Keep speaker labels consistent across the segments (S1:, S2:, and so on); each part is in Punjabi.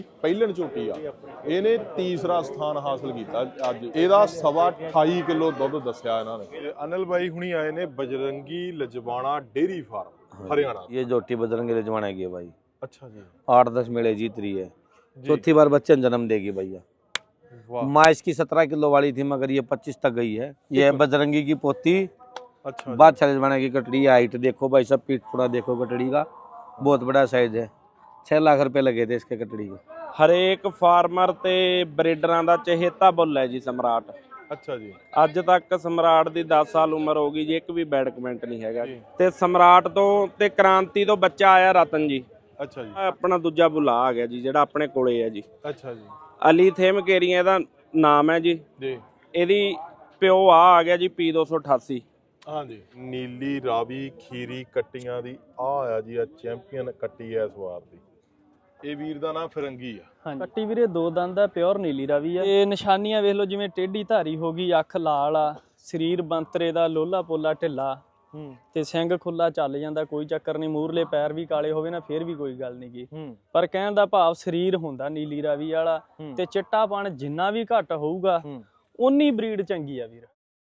S1: ਪਹਿਲਣ ਝੋਟੀ ਆ ਇਹਨੇ ਤੀਸਰਾ ਸਥਾਨ ਹਾਸਲ ਕੀਤਾ ਅੱਜ। ਇਹਦਾ 28.5 ਕਿਲੋ ਦੁੱਧ ਦੱਸਿਆ ਇਹਨਾਂ ਨੇ। ਅਨਿਲ ਬਾਈ ਹੁਣੀ ਆਏ ਨੇ ਬਜरंगी लजवाना डेयरी फार्म हरियाणा।
S2: ये झोटी बजरंगी लजवाना की है भाई।
S1: अच्छा जी।
S2: 8-10 मेले जीत रही है, चौथी बार बच्चे जन्म देगी भैया। माँ इसकी 17 किलो वाली थी मगर ये 25 तक गई है। ये है बजरंगी की पोती।
S1: अच्छा।
S2: बादशाह लजवाना की कटड़ी। हाइट देखो भाई, सब पीठ पूरा देखो कटड़ी का, बहुत बड़ा साइज है। 6 लाख रुपए लगे थे इसके कटड़ी को।
S3: ਹਰੇਕ ਫਾਰਮਰ ਤੇ ਬਰੀਡਰਾਂ ਦਾ ਚਹੇਤਾ ਬੁੱਲ ਹੈ ਜੀ ਸਮਰਾਟ।
S1: ਅੱਛਾ ਜੀ।
S3: ਅੱਜ ਤੱਕ ਸਮਰਾਟ ਦੀ 10 ਸਾਲ ਉਮਰ ਹੋ ਗਈ ਜੀ, ਇੱਕ ਵੀ ਬੈਡ ਕਮੈਂਟ ਨਹੀਂ ਹੈਗਾ। ਤੇ ਸਮਰਾਟ ਤੋਂ ਤੇ ਕ੍ਰਾਂਤੀ ਤੋਂ ਬੱਚਾ ਆਇਆ ਰਤਨ ਜੀ।
S1: ਅੱਛਾ ਜੀ।
S3: ਆਪਣਾ ਦੂਜਾ ਬੁੱਲਾ ਆ ਗਿਆ ਜੀ ਜਿਹੜਾ ਆਪਣੇ ਕੋਲੇ ਹੈ ਜੀ।
S1: ਅੱਛਾ ਜੀ।
S3: ਅਲੀ ਥੇਮ ਕੇਰੀਆਂ ਦਾ ਨਾਮ ਹੈ ਜੀ। ਇਹਦੀ ਪਿਓ ਆ ਗਿਆ ਜੀ P288।
S1: ਹਾਂਜੀ। ਨੀਲੀ ਰਾਵੀ ਖੀਰੀ ਕੱਟੀਆਂ ਦੀ ਆ ਜੀ, ਆ ਚੈਂਪੀਅਨ ਕੱਟੀ ਐ ਇਸ ਵਾਰ ਦੀ। ਇਹ ਵੀਰ ਦਾ ਨਾਮ ਫਿਰੰਗੀ ਆ।
S4: ਹਾਂਜੀ, ਕੱਟੀ ਵੀਰੇ 2 ਦੰਦ ਆ, ਪਿਓਰ ਨੀਲੀ ਰਾਵੀ ਆ। ਇਹ ਨਿਸ਼ਾਨੀਆਂ ਵੇਖ ਲਓ, ਜਿਵੇਂ ਟੇਢੀ ਧਾਰੀ ਹੋ ਗਈ, ਅੱਖ ਲਾਲ ਆ, ਸਰੀਰ ਬੰਤਰੇ ਦਾ, ਲੋਲਾ ਪੋਲਾ ਢਿੱਲਾ ਤੇ ਸਿੰਘ ਖੁੱਲਾ ਚੱਲ ਜਾਂਦਾ, ਕੋਈ ਚੱਕਰ ਨਹੀਂ। ਮੂਰਲੇ ਪੈਰ ਵੀ ਕਾਲੇ ਹੋਵੇ ਨਾ ਫੇਰ ਵੀ ਕੋਈ ਗੱਲ ਨਹੀਂ ਗੀ। ਪਰ ਕਹਿਣ ਦਾ ਭਾਵ ਸਰੀਰ ਹੁੰਦਾ ਨੀਲੀ ਰਾਵੀ ਵਾਲਾ, ਤੇ ਚਿੱਟਾਪਣ ਜਿੰਨਾ ਵੀ ਘੱਟ ਹੋਊਗਾ ਉਨੀ ਬਰੀਡ ਚੰਗੀ ਆ ਵੀਰ।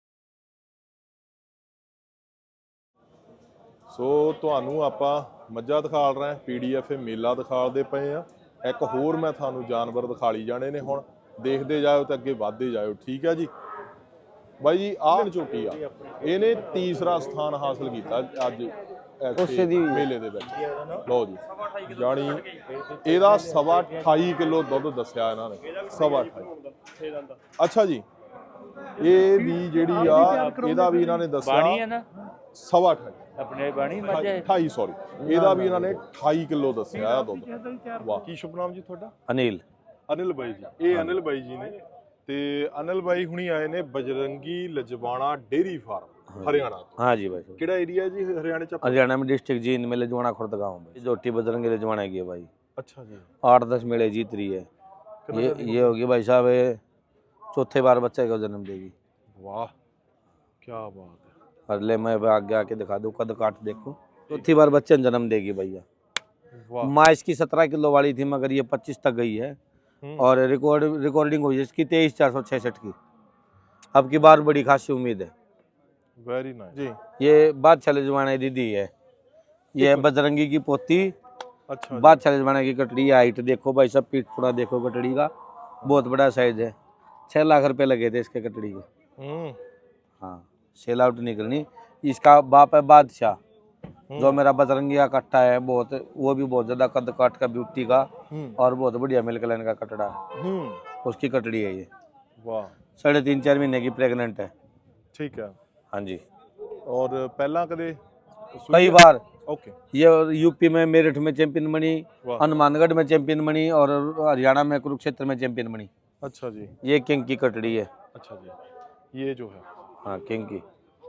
S1: ਸੋ ਤੁਹਾਨੂੰ ਆਪਾਂ ਮੱਝਾਂ ਦਿਖਾਲ ਰਹੇ, PDF ਮੇਲਾ ਦਿਖਾਲਦੇ ਪਏ ਆ। ਇੱਕ ਹੋਰ ਮੈਂ ਤੁਹਾਨੂੰ ਜਾਨਵਰ ਦਿਖਾਲੀ ਜਾਣੇ ਨੇ, ਹੁਣ ਦੇਖਦੇ ਜਾਓ ਤੇ ਅੱਗੇ ਵਧਦੇ ਜਾਓ, ਠੀਕ ਹੈ ਜੀ। ਬਾਈ ਜੀ ਆਹ ਝੋਟੀ ਆ ਇਹਨੇ ਤੀਸਰਾ ਸਥਾਨ ਹਾਸਲ ਕੀਤਾ ਅੱਜ ਮੇਲੇ ਦੇ ਵਿੱਚ। ਲਓ ਜੀ, ਜਾਣੀ ਇਹਦਾ 28.5 ਕਿਲੋ ਦੁੱਧ ਦੱਸਿਆ ਇਹਨਾਂ ਨੇ। 28.5। ਅੱਛਾ ਜੀ। ਇਹ ਵੀ ਜਿਹੜੀ ਆ ਇਹਦਾ ਵੀ ਇਹਨਾਂ ਨੇ ਦੱਸਿਆ 28.5
S5: ਆਪਣੇ ਬਾਣੀ ਮੱਝ
S1: 28 ਸੌਰੀ, ਇਹਦਾ ਵੀ ਇਹਨਾਂ ਨੇ 28 ਕਿਲੋ ਦੱਸਿਆ ਦੁੱਧ। ਵਾਹ। ਕੀ ਸ਼ੁਭ ਨਾਮ ਜੀ ਤੁਹਾਡਾ?
S2: अनिल।
S1: ਅਨਿਲ ਬਾਈ ਜੀ। ਇਹ ਅਨਿਲ ਬਾਈ ਜੀ ਨੇ ਤੇ ਅਨਿਲ ਬਾਈ ਹੁਣੀ ਆਏ ਨੇ बजरंगी लजवाना डेयरी फार्म हरियाणा।
S2: हाँ जी भाई।
S1: ਕਿਹੜਾ ਏਰੀਆ ਜੀ ਹਰਿयाणा ਚ?
S2: हरियाणा में डिस्ट्रिक्ट जींद में लजवाना खुर्द गाँव में झोटी बजरंगी लजवाना की है भाई।
S1: अच्छा जी।
S2: 8-10 मेले जीत रही है। ये होगी भाई साहब, चौथे बार बच्चे को जन्म देगी।
S1: वाह, क्या बात है।
S2: अगले मैं आगे आके दिखा दूँ, कद काट देखो, चौथी बार बच्चे जन्म देगी भैया। माँ इसकी 17 किलो वाली थी मगर ये 25 तक गई है। और रिकॉर्डिंग हुई इसकी 23,466 की। अब की बार बड़ी खासी उम्मीद है।
S1: वेरी नाइस जी।
S2: ये बादशाह लजवाना दीदी है, ये बजरंगी की पोती।
S1: अच्छा।
S2: बादशाह लजवाना की कटड़ी। हाइट देखो भाई, सब पीठ पूरा देखो कटड़ी का, बहुत बड़ा साइज है। 6 लाख रुपए लगे थे इसके कटड़ी को। हाँ, सेल आउट निकलनी। इसका बाप है बादशाह, जो मेरा बजरंगी का कट्टा है, बहुत वो भी बहुत ज्यादा कद काट का ब्यूटी का और बहुत बढ़िया मिल्क लाइन का कटड़ा है। उसकी कटड़ी है ये।
S1: वाह।
S2: 3.5-4 महीने की प्रेग्नेंट है।
S1: ठीक है।
S2: हाँ जी।
S1: और पहला कदे
S2: कई बार।
S1: ओके।
S2: ये यूपी में मेरठ में चैंपियन बनी, हनुमानगढ़ में चैंपियन बनी और हरियाणा में कुरुक्षेत्र में चैंपियन बनी।
S1: अच्छा जी।
S2: ये किंग की कटड़ी है।
S1: अच्छा जी। ये जो है
S2: हाँ, किंग की।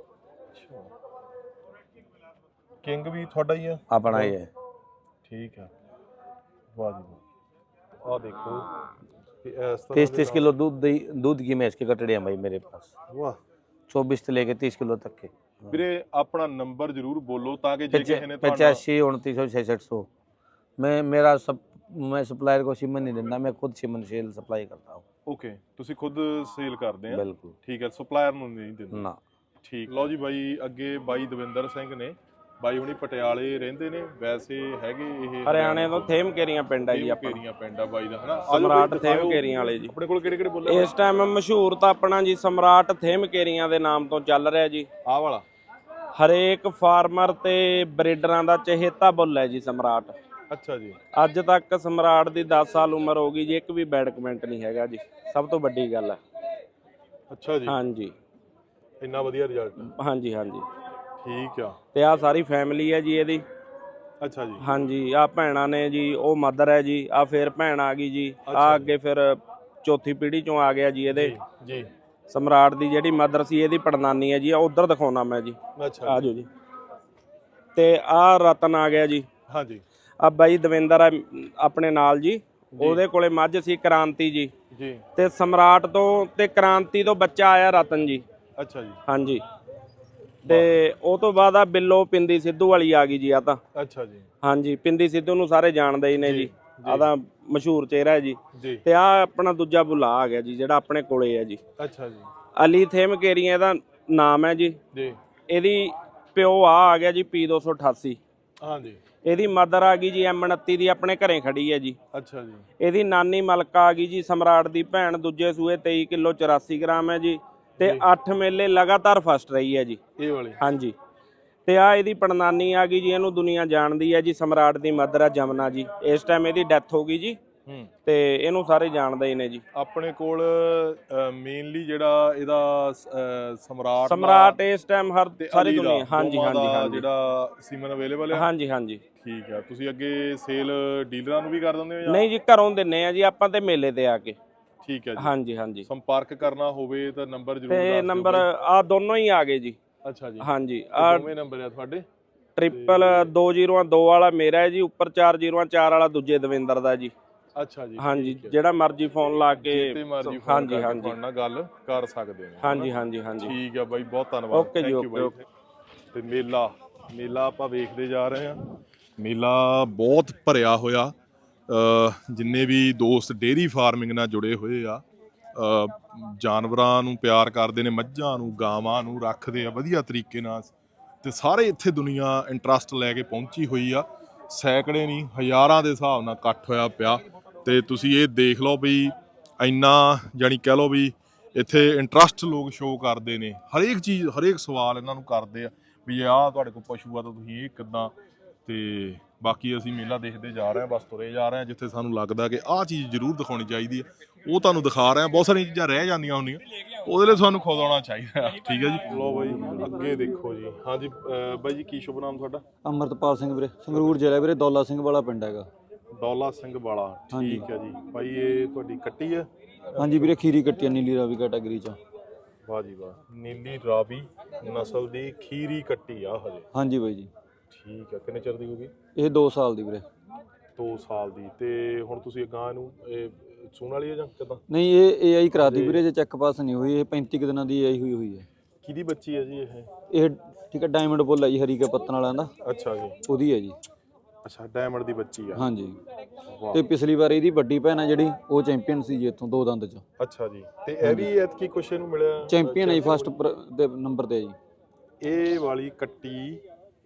S1: किंग भी थोड़ा ही है
S2: अपना ही है।
S1: ठीक है। वाह जी वाह। आ देखो
S2: 30 किलो दूध की मैं इसकी कटड़ी है भाई मेरे पास।
S1: वाह।
S2: 24 से लेके 30 किलो तक के।
S1: ਵੀਰੇ ਆਪਣਾ ਨੰਬਰ ਜ਼ਰੂਰ ਬੋਲੋ ਤਾਂ ਕਿ ਜੇ ਕਿਸੇ ਨੇ
S2: 85 29 6600। मैं सप्लायर को सीमन नहीं देता, मैं खुद सीमन सेल सप्लाई करता हूँ।
S1: ਓਕੇ, ਤੁਸੀਂ ਖੁਦ ਸੇਲ ਕਰਦੇ ਆ?
S2: ਬਿਲਕੁਲ।
S1: ਠੀਕ ਹੈ, ਸਪਲਾਇਰ ਨੂੰ ਨਹੀਂ ਦਿੰਦੇ
S2: ਨਾ।
S1: ਠੀਕ। ਲਓ ਜੀ ਬਾਈ, ਅੱਗੇ ਬਾਈ ਦਵਿੰਦਰ ਸਿੰਘ ਨੇ। ਬਾਈ ਹੁਣੀ ਪਟਿਆਲੇ ਰਹਿੰਦੇ ਨੇ, ਵੈਸੇ ਹੈਗੇ ਇਹ
S3: ਹਰਿਆਣੇ ਤੋਂ ਥੇਮ ਕੇਰੀਆਂ ਪਿੰਡ ਹੈ ਜੀ ਆਪਣਾ।
S1: ਕੇਰੀਆਂ ਪਿੰਡ ਆ ਬਾਈ ਦਾ, ਹਨਾ?
S3: ਸਮਰਾਟ ਥੇਮ ਕੇਰੀਆਂ ਵਾਲੇ ਜੀ।
S1: ਆਪਣੇ ਕੋਲ ਕਿਹੜੇ ਕਿਹੜੇ ਬੋਲੇ
S3: ਇਸ ਟਾਈਮ ਮਸ਼ਹੂਰ ਤਾਂ ਆਪਣਾ ਜੀ ਸਮਰਾਟ ਥੇਮ ਕੇਰੀਆਂ ਦੇ ਨਾਮ ਤੋਂ ਚੱਲ ਰਿਹਾ ਜੀ।
S1: ਆਹ ਵਾਲਾ
S3: ਹਰੇਕ ਫਾਰਮਰ ਤੇ ਬਰੀਡਰਾਂ ਦਾ ਚਹੇਤਾ ਬੁੱਲ ਹੈ ਜੀ ਸਮਰਾਟ।
S1: ਅੱਛਾ ਜੀ।
S3: ਅੱਜ ਤੱਕ ਸਮਰਾਟ ਦੀ 10 ਸਾਲ ਉਮਰ ਹੋ ਗਈ ਜੀ, ਇੱਕ ਵੀ ਬੈਡ ਕਮੈਂਟ ਨਹੀਂ ਹੈਗਾ ਜੀ, ਸਭ ਤੋਂ ਵੱਡੀ ਗੱਲ ਹੈ।
S1: ਅੱਛਾ ਜੀ।
S3: ਹਾਂਜੀ,
S1: ਇੰਨਾ ਵਧੀਆ ਰਿਜ਼ਲਟ।
S3: ਹਾਂਜੀ ਹਾਂਜੀ।
S1: ਠੀਕ ਆ।
S3: ਤੇ ਆ ਸਾਰੀ ਫੈਮਿਲੀ ਹੈ ਜੀ ਇਹਦੀ।
S1: ਅੱਛਾ ਜੀ।
S3: ਹਾਂਜੀ, ਆ ਭੈਣਾਂ ਨੇ ਜੀ, ਉਹ ਮਦਰ ਹੈ ਜੀ, ਆ ਫੇਰ ਭੈਣ ਆ ਗਈ ਜੀ, ਆ ਅੱਗੇ ਫਿਰ ਚੌਥੀ ਪੀੜ੍ਹੀ ਚੋਂ ਆ ਗਿਆ ਜੀ ਇਹਦੇ
S1: ਜੀ।
S3: ਸਮਰਾਟ ਦੀ ਜਿਹੜੀ ਮਦਰ ਸੀ ਇਹਦੀ ਪੜਨਾਨੀ ਹੈ ਜੀ, ਆ ਉਧਰ ਦਿਖਾਉਣਾ ਮੈਂ ਜੀ।
S1: ਅੱਛਾ।
S3: ਆ ਜਾਓ ਜੀ। ਤੇ ਆ ਰਤਨ ਆ ਗਿਆ ਜੀ।
S1: ਹਾਂਜੀ।
S3: ਆ ਬਾਈ ਦਵਿੰਦਰ ਆ ਆਪਣੇ ਨਾਲ ਜੀ, ਉਹਦੇ ਕੋਲੇ ਮੱਝ ਸੀ ਕ੍ਰਾਂਤੀ ਜੀ। ਤੇ ਸਮਰਾਟ ਤੋਂ ਤੇ ਕ੍ਰਾਂਤੀ ਤੋਂ ਬੱਚਾ ਆਇਆ ਰਤਨ ਜੀ।
S1: ਅੱਛਾ ਜੀ।
S3: ਹਾਂਜੀ। ਤੇ ਉਹ ਤੋਂ ਬਾਅਦ ਆ ਬਿੱਲੋ ਪਿੰਦੀ ਸਿੱਧੂ ਵਾਲੀ ਆ ਗਈ ਜੀ। ਆ ਤਾਂ
S1: ਅੱਛਾ ਜੀ।
S3: ਹਾਂਜੀ, ਪਿੰਦੀ ਸਿੱਧੂ ਨੂੰ ਸਾਰੇ ਜਾਣਦੇ ਹੀ ਨੇ ਜੀ। ਆਦਾ ਮਸ਼ਹੂਰ ਚਿਹਰਾ ਹੈ ਜੀ। ਤੇ ਆ ਆਪਣਾ ਦੂਜਾ ਬੁਲਾ ਆ ਗਿਆ ਜੀ ਜਿਹੜਾ ਆਪਣੇ ਕੋਲੇ ਹੈ ਜੀ।
S1: ਅੱਛਾ ਜੀ।
S3: ਅਲੀ ਥੇਮ ਕੇਰੀਆਂ ਇਹਦਾ ਨਾਮ ਹੈ ਜੀ। ਇਹਦੀ ਪਿਓ ਆ ਗਿਆ ਜੀ P288।
S1: ਹਾਂਜੀ।
S3: ਇਹਦੀ ਮਦਰ ਆ ਗਈ ਜੀ M29 ਦੀ ਆਪਣੇ ਘਰੇ ਖੜੀ ਹੈ ਜੀ।
S1: ਅੱਛਾ ਜੀ।
S3: ਇਹਦੀ ਨਾਨੀ ਮਲਕਾ ਆ ਗਈ ਜੀ ਸਮਰਾਟ ਦੀ ਭੈਣ, ਦੂਜੇ ਸੂਏ 23 ਕਿਲੋ 84 ਗ੍ਰਾਮ ਹੈ ਜੀ। ਤੇ 8 ਮੇਲੇ ਲਗਾਤਾਰ ਫਸਟ ਰਹੀ ਹੈ ਜੀ ਇਹ ਵਾਲੀ। ਹਾਂਜੀ। ਤੇ ਆ ਇਹਦੀ ਪੜਨਾਨੀ ਆ ਗਈ ਜੀ, ਇਹਨੂੰ ਦੁਨੀਆ ਜਾਣਦੀ ਹੈ ਜੀ, ਸਮਰਾਟ ਦੀ ਮਦਰ ਆ ਜਮਨਾ ਜੀ। ਇਸ ਟਾਈਮ ਇਹਦੀ ਡੈਥ ਹੋ ਗਈ ਜੀ ਤੇ ਇਹਨੂੰ ਸਾਰੇ ਜਾਣਦੇ ਹੀ ਨੇ ਜੀ।
S1: ਆਪਣੇ ਕੋਲ ਮੇਨਲੀ ਜਿਹੜਾ ਇਹਦਾ
S3: ਸਮਰਾਟ ਇਸ ਟਾਈਮ ਹਰ ਸਾਰੀ ਦੁਨੀਆ। ਹਾਂਜੀ
S1: ਜਿਹੜਾ ਸੀਮਨ ਅਵੇਲੇਬਲ ਹੈ।
S3: ਹਾਂਜੀ ਹਾਂਜੀ
S1: ਠੀਕ ਆ। ਤੁਸੀਂ ਅੱਗੇ ਸੇਲ ਡੀਲਰਾਂ ਨੂੰ ਵੀ ਕਰ ਦਿੰਦੇ ਹੋ ਜਾਂ
S3: ਨਹੀਂ ਜੀ? ਘਰੋਂ ਦਿੰਨੇ ਆ ਜੀ ਆਪਾਂ ਤੇ ਮੇਲੇ ਤੇ ਆ ਕੇ।
S1: ਠੀਕ ਹੈ ਜੀ।
S3: ਹਾਂਜੀ ਹਾਂਜੀ।
S1: ਸੰਪਰਕ ਕਰਨਾ ਹੋਵੇ ਤਾਂ ਨੰਬਰ ਜ਼ਰੂਰ ਦੱਸ ਦਿਓ।
S3: ਤੇ ਨੰਬਰ ਆ ਦੋਨੋਂ ਹੀ ਆ ਗਏ ਜੀ।
S1: ਅੱਛਾ ਜੀ।
S3: ਹਾਂਜੀ ਆ
S1: ਦੋਵੇਂ ਨੰਬਰ ਆ ਤੁਹਾਡੇ?
S3: 20202 ਵਾਲਾ ਮੇਰਾ ਹੈ ਜੀ, ਉੱਪਰ 404 ਵਾਲਾ ਦੂਜੇ ਦਵਿੰਦਰ ਦਾ ਜੀ।
S1: ਅੱਛਾ ਜੀ।
S3: ਹਾਂਜੀ ਜਿਹੜਾ ਮਰਜ਼ੀ ਫੋਨ ਲਾ ਕੇ
S1: ਹਾਂਜੀ ਹਾਂਜੀ ਨਾਲ ਗੱਲ ਕਰ ਸਕਦੇ ਨੇ।
S3: ਹਾਂਜੀ ਹਾਂਜੀ ਹਾਂਜੀ।
S1: ਠੀਕ ਆ ਬਾਈ, ਬਹੁਤ ਧੰਨਵਾਦ।
S3: ਓਕੇ ਜੀ ਓਕੇ।
S1: ਤੇ ਮੇਲਾ ਆਪਾਂ ਵੇਖਦੇ ਜਾ ਰਹੇ ਹਾਂ। ਮੇਲਾ ਬਹੁਤ ਭਰਿਆ ਹੋਇਆ। ਜਿੰਨੇ ਵੀ ਦੋਸਤ ਡੇਅਰੀ ਫਾਰਮਿੰਗ ਨਾਲ ਜੁੜੇ ਹੋਏ ਆ, ਜਾਨਵਰਾਂ ਨੂੰ ਪਿਆਰ ਕਰਦੇ ਨੇ, ਮੱਝਾਂ ਨੂੰ ਗਾਵਾਂ ਨੂੰ ਰੱਖਦੇ ਆ ਵਧੀਆ ਤਰੀਕੇ ਨਾਲ, ਤੇ ਸਾਰੇ ਇੱਥੇ ਦੁਨੀਆ ਇੰਟਰਸਟ ਲੈ ਕੇ ਪਹੁੰਚੀ ਹੋਈ ਆ। ਸੈਂਕੜੇ ਨਹੀਂ ਹਜ਼ਾਰਾਂ ਦੇ ਹਿਸਾਬ ਨਾਲ ਇਕੱਠ ਹੋਇਆ ਪਿਆ। ਤੇ ਤੁਸੀਂ ਇਹ ਦੇਖ ਲਓ ਵੀ ਇੰਨਾ, ਜਾਣੀ ਕਹਿ ਲਓ ਵੀ ਇੱਥੇ ਇੰਟਰਸਟ ਲੋਕ ਸ਼ੋਅ ਕਰਦੇ ਨੇ, ਹਰੇਕ ਚੀਜ਼ ਹਰੇਕ ਸਵਾਲ ਇਹਨਾਂ ਨੂੰ ਕਰਦੇ ਆ ਵੀ ਆਹ ਤੁਹਾਡੇ ਕੋਲ ਪਸ਼ੂ ਆ ਤਾਂ ਤੁਸੀਂ ਇਹ ਕਿੱਦਾਂ। ਤੇ ਬਾਕੀ ਅਸੀਂ ਮੇਲਾ ਦੇਖਦੇ ਜਾ ਰਹੇ ਹਾਂ, ਬਸ ਤੁਰੇ ਜਾ ਰਹੇ ਹਾਂ। ਜਿੱਥੇ ਸਾਨੂੰ ਲੱਗਦਾ ਕਿ ਆਹ ਚੀਜ਼ ਜ਼ਰੂਰ ਦਿਖਾਉਣੀ ਚਾਹੀਦੀ ਹੈ ਉਹ ਤੁਹਾਨੂੰ ਦਿਖਾ ਰਹੇ ਹਾਂ। ਬਹੁਤ ਸਾਰੀਆਂ ਚੀਜ਼ਾਂ ਰਹਿ ਜਾਂਦੀਆਂ ਹੁੰਦੀਆਂ, ਉਹਦੇ ਲਈ ਸਾਨੂੰ ਖੁਦ ਆਉਣਾ ਚਾਹੀਦਾ। ਠੀਕ ਹੈ ਜੀ। ਲੋ ਬਾਈ ਅੱਗੇ ਦੇਖੋ ਜੀ। ਹਾਂਜੀ ਬਾਈ ਜੀ, ਕੀ ਸ਼ੁਭ ਨਾਮ ਤੁਹਾਡਾ?
S5: ਅਮਰਤਪਾਲ ਸਿੰਘ ਵੀਰੇ, ਸੰਗਰੂਰ ਜ਼ਿਲ੍ਹਾ ਵੀਰੇ, ਦੌਲਾ ਸਿੰਘ ਵਾਲਾ ਪਿੰਡ ਹੈਗਾ।
S1: ਦੌਲਾ ਸਿੰਘ ਵਾਲਾ। ਠੀਕ ਹੈ ਜੀ। ਬਾਈ ਇਹ ਤੁਹਾਡੀ ਕੱਟੀ ਹੈ?
S5: ਹਾਂਜੀ ਵੀਰੇ, ਖੀਰੀ ਕੱਟੀ ਨੀਲੀ ਰਾਵੀ ਕੈਟਾਗਰੀ ਚ।
S1: ਵਾਹ ਜੀ ਵਾਹ, ਨੀਲੀ ਰਾਵੀ ਨਸਲ ਦੀ ਖੀਰੀ ਕੱਟੀ ਆ ਹਜੇ? ਹਾਂਜੀ
S5: ਬਾਈ ਜੀ।
S1: ਠੀਕ ਹੈ। ਕਿੰਨੇ ਚਿਰ ਦੀ ਹੋ ਗਈ
S5: ਇਹ? 2 ਸਾਲ ਦੀ ਵੀਰੇ।
S1: 2 ਸਾਲ ਦੀ। ਤੇ ਹੁਣ ਤੁਸੀਂ ਗਾਂ ਨੂੰ ਸੂਣ ਵਾਲੀ ਹੈ ਜਾਂ ਕਿਦਾਂ?
S5: ਨਹੀਂ, ਇਹ AI ਕਰਾਤੀ ਵੀਰੇ, ਜੇ ਚੈੱਕ ਪਾਸ ਨਹੀਂ ਹੋਈ। ਇਹ 35 ਦਿਨਾਂ ਦੀ AI ਹੋਈ ਹੈ।
S1: ਕਿਹਦੀ ਬੱਚੀ ਹੈ ਜੀ
S5: ਇਹ? ਠੀਕ ਹੈ, ਡਾਇਮੰਡ ਬੁੱਲ ਹੈ ਜੀ, ਹਰੀ ਕੇ ਪੱਤਨ ਵਾਲਿਆਂ ਦਾ।
S1: ਅੱਛਾ ਜੀ।
S5: ਉਹਦੀ ਹੈ ਜੀ।
S1: ਅੱਛਾ, ਡਾਇਮੰਡ ਦੀ ਬੱਚੀ ਆ।
S5: ਹਾਂਜੀ। ਤੇ ਪਿਛਲੀ ਵਾਰ ਇਹਦੀ ਵੱਡੀ ਭੈਣ ਹੈ ਜਿਹੜੀ, ਉਹ ਚੈਂਪੀਅਨ ਸੀ ਜੀ ਇੱਥੋਂ 2 ਦੰਦ ਚ।
S1: ਅੱਛਾ ਜੀ। ਤੇ ਇਹ ਵੀ ਐਤਕੀ ਕੁਛ ਇਹਨੂੰ ਮਿਲਿਆ?
S5: ਚੈਂਪੀਅਨ ਹੈ ਜੀ, ਫਸਟ ਦੇ ਨੰਬਰ ਤੇ ਹੈ ਜੀ।
S1: ਇਹ ਵਾਲੀ ਕੱਟੀ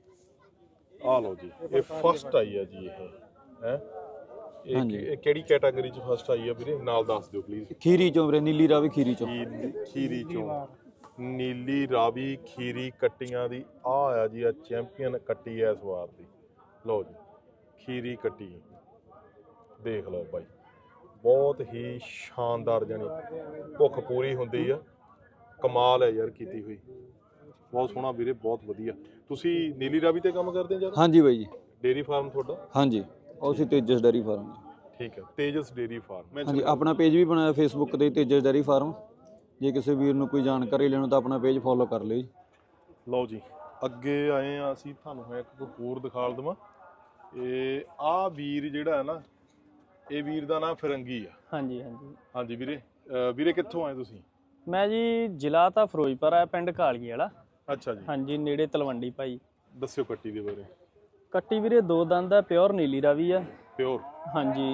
S1: ਆ ਲਓ ਜੀ, ਇਹ ਫਸਟ ਆਈ ਆ ਜੀ। ਇਹ ਹੈ ਇਹ ਕਿਹੜੀ ਕੈਟਾਗਰੀ ਚ ਫਸਟ ਆਈ ਆ ਵੀਰੇ? ਨਾਲ ਦੱਸ ਦਿਓ ਪਲੀਜ਼।
S5: ਖੀਰੀ ਚੋਂ ਵੀਰੇ, ਨੀਲੀ ਰਾਵੀ ਖੀਰੀ ਚੋਂ।
S1: ਖੀਰੀ ਚੋਂ ਨੀਲੀ ਰਾਵੀ ਖੀਰੀ ਕੱਟੀਆਂ ਦੀ ਆ ਆ ਜੀ, ਆ ਚੈਂਪੀਅਨ ਕੱਟੀ ਐ ਇਸ ਵਾਰ ਦੀ। ਲਓ ਜੀ, ਖੀਰੀ ਕੱਟੀ ਦੇਖ ਲਓ ਬਾਈ, ਬਹੁਤ ਹੀ ਸ਼ਾਨਦਾਰ, ਜਾਨੀ ਭੁੱਖ ਪੂਰੀ ਹੁੰਦੀ ਆ। ਕਮਾਲ ਹੈ ਯਾਰ ਕੀਤੀ ਹੋਈ, ਬਹੁਤ ਸੋਹਣਾ ਵੀਰੇ, ਬਹੁਤ ਵਧੀਆ। ਤੁਸੀਂ ਨੀਲੀ ਰਾਵੀ ਤੇ ਕੰਮ ਕਰਦੇ ਹੋ?
S5: ਹਾਂਜੀ ਬਾਈ ਜੀ।
S1: ਡੇਅਰੀ ਫਾਰਮ ਤੁਹਾਡਾ? ਹਾਂਜੀ,
S5: ਉਹ ਸੀ ਤੇਜਸ ਡੇਅਰੀ ਫਾਰਮ।
S1: ਠੀਕ ਹੈ, ਤੇਜਸ ਡੇਅਰੀ ਫਾਰਮ।
S5: ਹਾਂਜੀ, ਆਪਣਾ ਪੇਜ ਵੀ ਬਣਾਇਆ ਫੇਸਬੁੱਕ ਤੇ, ਤੇਜਸ ਡੇਅਰੀ ਫਾਰਮ। ਜੇ ਕਿਸੇ ਵੀਰ ਨੂੰ ਕੋਈ ਜਾਣਕਾਰੀ ਲੈਣੀ ਤਾਂ ਆਪਣਾ ਪੇਜ ਫੋਲੋ ਕਰ ਲਿਓ ਜੀ।
S1: ਲਓ ਜੀ, ਅੱਗੇ ਆਏ ਆ ਅਸੀਂ, ਤੁਹਾਨੂੰ ਮੈਂ ਇੱਕ ਹੋਰ ਦਿਖਾ ਦਵਾਂ। ਇਹ ਆ ਵੀਰ ਜਿਹੜਾ ਹੈ ਨਾ, ਇਹ ਵੀਰ ਦਾ ਨਾਮ ਫਿਰੰਗੀ ਆ।
S4: ਹਾਂਜੀ ਹਾਂਜੀ
S1: ਹਾਂਜੀ ਵੀਰੇ। ਵੀਰੇ ਕਿੱਥੋਂ ਆਏ ਤੁਸੀਂ?
S4: ਮੈਂ ਜੀ ਜ਼ਿਲ੍ਹਾ ਤਾਂ ਫਿਰੋਜ਼ਪੁਰ ਆ, ਪਿੰਡ ਕਾਲੀਏ ਵਾਲਾ।
S1: ਅੱਛਾ ਜੀ।
S4: ਹਾਂਜੀ, ਨੇੜੇ ਤਲਵੰਡੀ ਭਾਈ।
S1: ਦੱਸਿਓ ਕੱਟੀ ਦੇ ਬਾਰੇ।
S4: ਕੱਟੀ ਵੀਰੇ 2 ਦੰਦ ਆ, ਪਿਓਰ ਨੀਲੀ ਰਾਵੀ ਆ।
S1: ਪਿਓਰ?
S4: ਹਾਂਜੀ।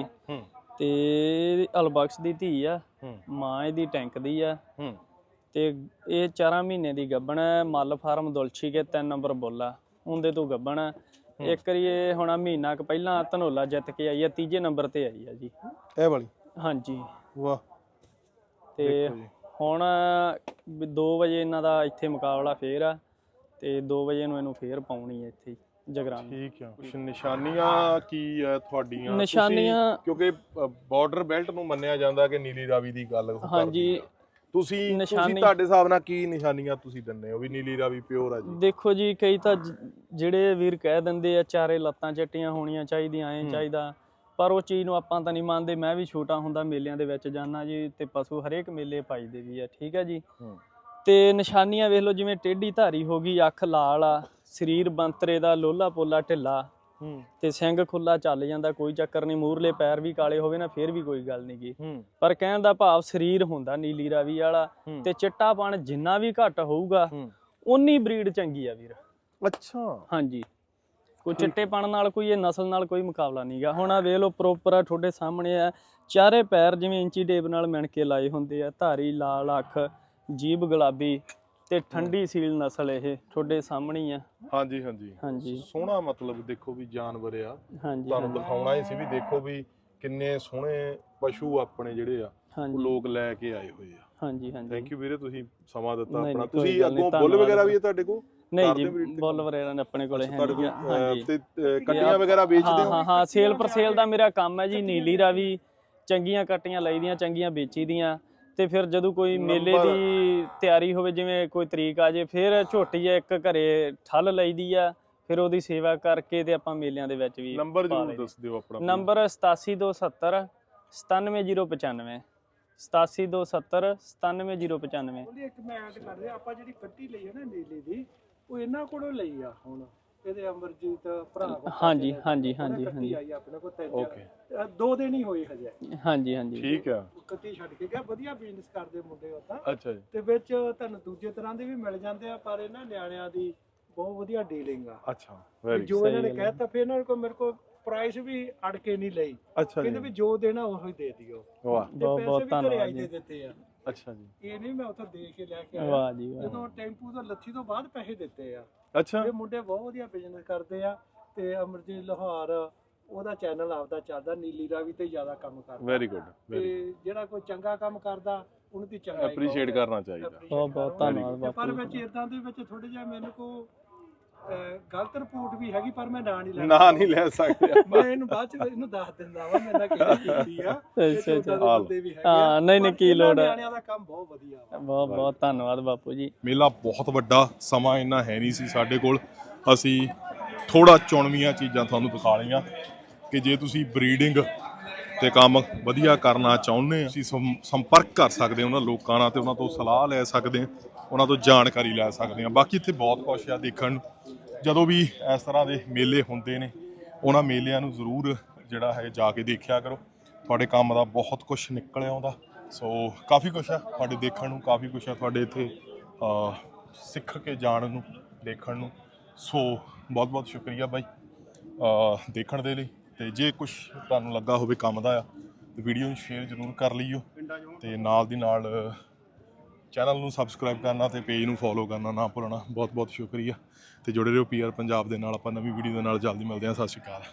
S4: ਤੇ ਅਲਬਖਸ਼ ਦੀ ਧੀ ਆ, ਮਾਂ ਇਹਦੀ ਟੈਂਕ ਦੀ ਆ। ਤੇ ਇਹ 4 ਮਹੀਨੇ ਦੀ ਗੱਭਣ ਹੈ। ਮੱਲ ਫਾਰਮ ਦੁਲਛੀ ਕੇ 3 ਨੰਬਰ ਬੁੱਲ ਆ, ਉਹਦੇ ਤੋਂ ਗੱਭਣ ਆ। ਇੱਕ ਵਾਰੀ ਇਹ ਹੁਣ ਮਹੀਨਾ ਕੁ ਪਹਿਲਾਂ ਧਨੋਲਾ ਜਿੱਤ ਕੇ ਆਈ ਆ, 3ਜੇ ਨੰਬਰ ਤੇ ਆਈ ਆ ਜੀ
S1: ਇਹ ਵਾਲੀ।
S4: ਹਾਂਜੀ।
S1: ਵਾਹ।
S4: ਤੇ ਹੁਣ 2 ਵਜੇ ਇਹਨਾਂ ਦਾ ਇੱਥੇ ਮੁਕਾਬਲਾ ਫੇਰ ਆ, ਤੇ 2 ਵਜੇ ਨੂੰ ਇਹਨੂੰ ਫੇਰ ਪਾਉਣੀ ਹੈ ਇੱਥੇ ਜਗਰਾਨ।
S1: ਠੀਕ ਆ। ਕੁਛ ਨਿਸ਼ਾਨੀਆਂ ਕੀ ਆ ਤੁਹਾਡੀਆਂ?
S4: ਨਿਸ਼ਾਨੀਆਂ
S1: ਕਿਉਂਕਿ ਬਾਰਡਰ ਬੈਲਟ ਨੂੰ ਮੰਨਿਆ ਜਾਂਦਾ ਕਿ ਨੀਲੀ ਰਾਵੀ ਦੀ ਗੱਲ।
S4: ਹਾਂਜੀ।
S1: ਤੁਸੀਂ ਤੁਹਾਡੇ ਹਿਸਾਬ ਨਾਲ ਕੀ ਨਿਸ਼ਾਨੀਆਂ ਤੁਸੀਂ ਦਿੰਦੇ ਹੋ ਵੀ ਨੀਲੀ ਰਾਵੀ ਪਿਓਰ ਆ ਜੀ?
S4: ਦੇਖੋ ਜੀ, ਕਈ ਤਾਂ ਜਿਹੜੇ ਵੀਰ ਕਹਿ ਦਿੰਦੇ ਆ ਚਾਰੇ ਲੱਤਾਂ ਚੱਟੀਆਂ ਹੋਣੀਆਂ ਚਾਹੀਦੀਆਂ, ਐਂ ਚਾਹੀਦਾ, ਪਰ ਉਹ ਚੀਜ਼ ਨੂੰ ਆਪਾਂ ਤਾਂ ਨਹੀਂ ਮੰਨਦੇ। ਮੈਂ ਵੀ ਛੋਟਾ ਹੁੰਦਾ ਮੇਲਿਆਂ ਦੇ ਵਿੱਚ ਜਾਣਾ ਜੀ, ਤੇ ਪਸ਼ੂ ਹਰੇਕ ਮੇਲੇ ਪਾਈਦੇ ਵੀ ਆ। ਠੀਕ ਹੈ ਜੀ। ਤੇ ਨਿਸ਼ਾਨੀਆਂ ਵੇਖ ਲਓ, ਜਿਵੇਂ ਟੇਢੀ ਧਾਰੀ ਹੋ ਗਈ, ਅੱਖ ਲਾਲ ਆ, ਸਰੀਰ ਬੰਤਰੇ ਦਾ, ਲੋਲਾ ਪੋਲਾ ਢਿੱਲਾ, ਤੇ ਸਿੰਘ ਖੁੱਲਾ ਚੱਲ ਜਾਂਦਾ, ਕੋਈ ਚੱਕਰ ਨਹੀਂ। ਮੂਹਰਲੇ ਪੈਰ ਵੀ ਕਾਲੇ ਹੋਵੇ ਨਾ, ਫੇਰ ਵੀ ਕੋਈ ਗੱਲ ਨਹੀਂ ਗੀ। ਪਰ ਕਹਿਣ ਦਾ ਭਾਵ ਸਰੀਰ ਹੁੰਦਾ ਨੀਲੀ ਰਾਵੀ ਵਾਲਾ, ਤੇ ਚਿੱਟਾਪਣ ਜਿੰਨਾ ਵੀ ਘੱਟ ਹੋਊਗਾ ਉਨੀ ਬਰੀਡ ਚੰਗੀ ਆ ਵੀਰ।
S1: ਅੱਛਾ।
S4: ਹਾਂਜੀ। ਕੋਈ ਚਿੱਟੇਪਣ ਨਾਲ ਕੋਈ ਇਹ ਨਸਲ ਨਾਲ ਕੋਈ ਮੁਕਾਬਲਾ ਨਹੀਂਗਾ। ਹੁਣ ਆ ਵੇਖ ਲਓ ਪ੍ਰੋਪਰ ਆ ਤੁਹਾਡੇ ਸਾਹਮਣੇ ਆ, ਚਾਰੇ ਪੈਰ ਜਿਵੇਂ ਇੰਚੀ ਟੇਪ ਨਾਲ ਮਿਣ ਕੇ ਲਾਏ ਹੁੰਦੇ ਆ, ਧਾਰੀ ਲਾਲ ਅੱਖ, ਜੀਭ ਗੁਲਾਬੀ ਤੇ ਠੰਡੀ ਸੀਲ ਨਸਲ ਇਹ ਤੁਹਾਡੇ ਸਾਹਮਣੇ ਹੀ ਆ।
S1: ਹਾਂਜੀ ਹਾਂਜੀ
S4: ਹਾਂਜੀ
S1: ਸੋਹਣਾ, ਮਤਲਬ ਦੇਖੋ ਵੀ ਜਾਨਵਰ ਆ,
S4: ਹਾਂਜੀ
S1: ਤੁਹਾਨੂੰ ਦਿਖਾਉਣਾ ਹੀ ਸੀ ਵੀ ਦੇਖੋ ਵੀ ਕਿੰਨੇ ਸੋਹਣੇ ਪਸ਼ੂ ਆਪਣੇ ਜਿਹੜੇ ਆ ਉਹ
S4: ਹਾਂਜੀ
S1: ਲੋਕ ਲੈ ਕੇ ਆਏ ਹੋਏ ਆ।
S4: ਹਾਂਜੀ ਹਾਂਜੀ
S1: ਥੈਂਕ ਯੂ ਵੀਰੇ, ਤੁਸੀਂ ਸਮਾਂ ਦਿੱਤਾ
S4: ਨਹੀਂ,
S1: ਆਪਣਾ।
S4: ਨਹੀਂ, ਕੋਈ
S1: ਤੁਸੀਂ
S4: ਗੱਲ ਨਹੀਂ,
S1: ਅੱਗੋਂ ਬੁੱਲ
S4: ਧੰਨਵਾਦ।
S1: ਵਗੈਰਾ ਵੀ ਹੈ ਤੁਹਾਡੇ ਕੋਲ?
S4: ਨਹੀਂ
S1: ਕਰਦੇ
S4: ਜੀ,
S1: ਹੋ breed ਤੇ
S4: ਬੁੱਲ
S1: ਕੰਮ?
S4: ਵਗੈਰਾ ਆਪਣੇ ਕੋਲੇ ਹੈ
S1: ਤੁਹਾਡੇ
S4: ਨਹੀਂ
S1: ਕੋਲ
S4: ਹਾਂਜੀ
S1: ਤੇ ਕੱਟੀਆਂ ਵਗੈਰਾ ਵੇਚਦੇ ਹੋ?
S4: ਹਾਂ ਹਾਂ ਸੇਲ ਪਰ ਸੇਲ ਦਾ ਮੇਰਾ ਕੰਮ ਹੈ ਜੀ। ਨੀਲੀ ਰਾਵੀ ਚੰਗੀਆਂ ਕੱਟੀਆਂ ਲਈਦੀਆਂ, ਚੰਗੀਆਂ ਵੇਚੀ ਦੀਆਂ, ਤੇ ਫਿਰ ਜਦੋਂ ਕੋਈ ਮੇਲੇ ਦੀ ਤਿਆਰੀ ਹੋਵੇ, ਜਿਵੇਂ ਕੋਈ ਤਰੀਕ ਆ ਜੇ, ਫਿਰ ਝੋਟੀ ਇੱਕ ਘਰੇ ਠੱਲ ਲਈਦੀ ਆ, ਫਿਰ ਉਹਦੀ ਸੇਵਾ ਕਰਕੇ ਤੇ ਆਪਾਂ ਮੇਲਿਆਂ ਦੇ ਵਿੱਚ ਵੀ
S1: ਨੰਬਰ ਜ਼ਰੂਰ ਦੱਸ ਦਿਓ ਆਪਣਾ।
S4: ਨੰਬਰ 87270 97095 87270 97095।
S6: ਉਹਦੀ ਇੱਕ ਮੈਂ ਐਡ ਕਰ ਰਿਹਾ, ਆਪਾਂ ਜਿਹੜੀ ਕੱਟੀ ਲਈ ਹੈ ਨਾ ਨੀਲੀ ਦੀ, ਉਹ ਇਹਨਾਂ ਕੋਲੋਂ ਲਈ ਆ ਹੁਣ, ਇਹਦੇ ਅਮਰਜੀਤ ਭਰਾ ਕੋਲ।
S4: ਹਾਂਜੀ ਹਾਂਜੀ ਹਾਂਜੀ
S6: ਕੱਟੀ
S4: ਹਾਂਜੀ
S6: ਆਈ ਆਪਣੇ ਕੋਲ ਤਿੰਨ
S1: ਓਕੇ,
S6: 2 ਦਿਨ ਹੀ ਹੋਏ ਹਜੇ,
S4: ਹਾਂਜੀ ਹਾਂਜੀ
S1: ਠੀਕ ਆ।
S6: ਕੱਟੀ ਛੱਡ ਕੇ ਗਿਆ। ਵਧੀਆ ਬਿਜ਼ਨਸ ਕਰਦੇ ਮੁੰਡੇ ਉਹ ਤਾਂ,
S1: ਅੱਛਾ ਜੀ,
S6: ਤੇ ਵਿੱਚ ਤੁਹਾਨੂੰ ਦੂਜੇ ਤਰ੍ਹਾਂ ਦੇ ਵੀ ਮਿਲ ਜਾਂਦੇ ਆ, ਪਰ ਇਹਨਾਂ ਨਿਆਣਿਆਂ ਦੀ ਬਹੁਤ ਵਧੀਆ ਡੀਲਿੰਗ ਆ।
S1: ਅੱਛਾ ਵੈਰੀ
S6: ਜੋ ਇਹਨਾਂ ਨੇ ਕਹਿਤਾ, ਫਿਰ ਇਹਨਾਂ ਕੋਲ ਮੇਰੇ ਕੋਲ ਪ੍ਰਾਈਸ ਵੀ ਅੜ ਕੇ ਨਹੀਂ ਲਈ,
S1: ਅੱਛਾ
S6: ਕਹਿੰਦੇ
S1: ਜੀ,
S6: ਵੀ ਜੋ ਦੇਣਾ ਉਹੀ ਦੇ ਦਿਓ।
S1: ਵਾਹ,
S6: ਤੇ
S4: ਬਹੁਤ
S6: ਪੈਸੇ
S4: ਬਹੁਤ
S6: ਵੀ ਘਰੇ
S4: ਧੰਨਵਾਦ
S6: ਆਈ ਦੇ
S4: ਜੀ।
S6: ਦਿੱਤੇ ਆ,
S1: ਅੱਛਾ ਜੀ,
S6: ਇਹ ਨਹੀਂ ਮੈਂ ਉੱਥੋਂ ਦੇ ਕੇ ਲੈ ਕੇ ਆਇਆ।
S4: ਵਾਹ ਜੀ ਵਾਹ।
S6: ਜਦੋਂ ਟੈਂਪੂ ਤੋਂ ਲੱਥੀ ਤੋਂ ਬਾਅਦ ਪੈਸੇ ਦਿੱਤੇ ਆ।
S1: ਅੱਛਾ
S6: ਇਹ ਮੁੰਡੇ ਬਹੁਤ ਵਧੀਆ ਬਿਜ਼ਨਸ ਕਰਦੇ ਆ, ਤੇ ਅਮਰਜੀਤ ਲਾਹੌਰ ਉਹਦਾ ਚੈਨਲ ਆਪਦਾ ਚੱਲਦਾ, ਨੀਲੀ ਰਾਵੀ ਤੇ ਜ਼ਿਆਦਾ ਕੰਮ ਕਰਦਾ।
S1: ਵੈਰੀ ਗੁੱਡ,
S6: ਤੇ
S1: ਵੈਰੀ
S6: ਜਿਹੜਾ ਕੋਈ ਚੰਗਾ ਕੰਮ ਕਰਦਾ ਉਹਨੂੰ ਦੀ ਚੰਗਾ
S1: ਐਪਰੀਸ਼ੀਏਟ ਕਰਨਾ ਚਾਹੀਦਾ।
S4: ਬਹੁਤ ਬਹੁਤ ਧੰਨਵਾਦ
S6: ਪਰ
S4: ਬਾਪੂ
S6: ਵਿੱਚ ਇਦਾਂ ਦੇ ਵਿੱਚ ਥੋੜੇ ਜਿਹਾ ਮੈਨੂੰ ਕੋ ਗਲਤ ਰਿਪੋਰਟ ਵੀ ਹੈਗੀ, ਪਰ ਮੈਂ ਨਾਂ ਨਹੀਂ ਲੈਣਾ।
S1: ਨਾ ਨਹੀਂ ਲੈ ਸਕਦੇ
S6: ਮੈਂ ਇਹਨੂੰ ਬਾਅਦ ਚ ਇਹਨੂੰ ਦੱਸ ਦਿੰਦਾ ਵਾ ਮੇਰੇ ਨਾਲ ਕਿਹੜੀ ਕੀਤੀ ਆ।
S4: ਅੱਛਾ ਅੱਛਾ
S6: ਬੰਦੇ ਵੀ ਹੈਗੇ ਆ,
S4: ਹਾਂ ਨਹੀਂ ਨਹੀਂ
S6: ਪਰ
S4: ਕੀ
S6: ਇਹਨਾਂ
S4: ਲੋੜ ਹੈ।
S6: ਨਿਆਣਿਆਂ ਦਾ ਕੰਮ ਬਹੁਤ ਵਧੀਆ ਵਾ।
S4: ਬਹੁਤ ਬਹੁਤ ਧੰਨਵਾਦ ਬਾਪੂ ਜੀ।
S1: ਮੇਲਾ ਬਹੁਤ ਵੱਡਾ, ਸਮਾਂ ਇੰਨਾ ਹੈ ਨਹੀਂ ਸੀ ਸਾਡੇ ਕੋਲ, ਅਸੀਂ ਥੋੜਾ ਚੁਣਵੀਆਂ ਚੀਜ਼ਾਂ ਤੁਹਾਨੂੰ ਦਿਖਾ ਲਈਆਂ ਕਿ ਜੇ ਤੁਸੀਂ ਬਰੀਡਿੰਗ ਤੇ ਕੰਮ ਵਧੀਆ ਕਰਨਾ ਚਾਹੁੰਦੇ ਆ, ਤੁਸੀਂ ਸੰਪਰਕ ਕਰ ਸਕਦੇ ਹੋ ਉਹਨਾਂ ਲੋਕਾਂ ਨਾਲ ਤੇ ਉਹਨਾਂ ਤੋਂ ਸਲਾਹ ਲੈ ਸਕਦੇ ਆ, ਉਹਨਾਂ ਤੋਂ ਜਾਣਕਾਰੀ ਲੈ ਸਕਦੇ ਆ। ਬਾਕੀ ਇੱਥੇ ਬਹੁਤ ਕੁਛ ਆ ਦੇਖਣ ਨੂੰ। ਜਦੋਂ ਵੀ ਇਸ ਤਰ੍ਹਾਂ ਦੇ ਮੇਲੇ ਹੁੰਦੇ ਨੇ, ਉਹਨਾਂ ਮੇਲਿਆਂ ਨੂੰ ਜ਼ਰੂਰ ਜਿਹੜਾ ਹੈ ਜਾ ਕੇ ਦੇਖਿਆ ਕਰੋ, ਤੁਹਾਡੇ ਕੰਮ ਦਾ ਬਹੁਤ ਕੁਛ ਨਿਕਲ ਆਉਂਦਾ। ਸੋ ਕਾਫੀ ਕੁਛ ਆ ਤੁਹਾਡੇ ਦੇਖਣ ਨੂੰ, ਕਾਫੀ ਕੁਛ ਆ ਤੁਹਾਡੇ ਇੱਥੇ ਸਿੱਖ ਕੇ ਜਾਣ ਨੂੰ, ਦੇਖਣ ਨੂੰ। ਸੋ ਬਹੁਤ ਬਹੁਤ ਸ਼ੁਕਰੀਆ ਬਾਈ ਦੇਖਣ ਦੇ ਲਈ। ਤੇ ਜੇ ਕੁਛ ਤੁਹਾਨੂੰ ਲੱਗਾ ਹੋਵੇ ਕੰਮ ਦਾ ਆ ਤੇ ਵੀਡੀਓ ਨੂੰ ਸ਼ੇਅਰ ਜ਼ਰੂਰ ਕਰ ਲਈਓ, ਤੇ ਨਾਲ ਦੀ ਨਾਲ ਚੈਨਲ ਨੂੰ ਸਬਸਕ੍ਰਾਈਬ ਕਰਨਾ ਤੇ ਪੇਜ ਨੂੰ ਫੋਲੋ ਕਰਨਾ ਨਾ ਭੁੱਲਣਾ। ਬਹੁਤ ਬਹੁਤ ਸ਼ੁਕਰੀਆ, ਤੇ ਜੁੜੇ ਰਹੋ PR ਪੰਜਾਬ ਦੇ ਨਾਲ। ਆਪਾਂ ਨਵੀਂ ਵੀਡੀਓ ਦੇ ਨਾਲ ਜਲਦੀ ਮਿਲਦੇ ਹਾਂ। ਸਤਿ ਸ਼੍ਰੀ ਅਕਾਲ।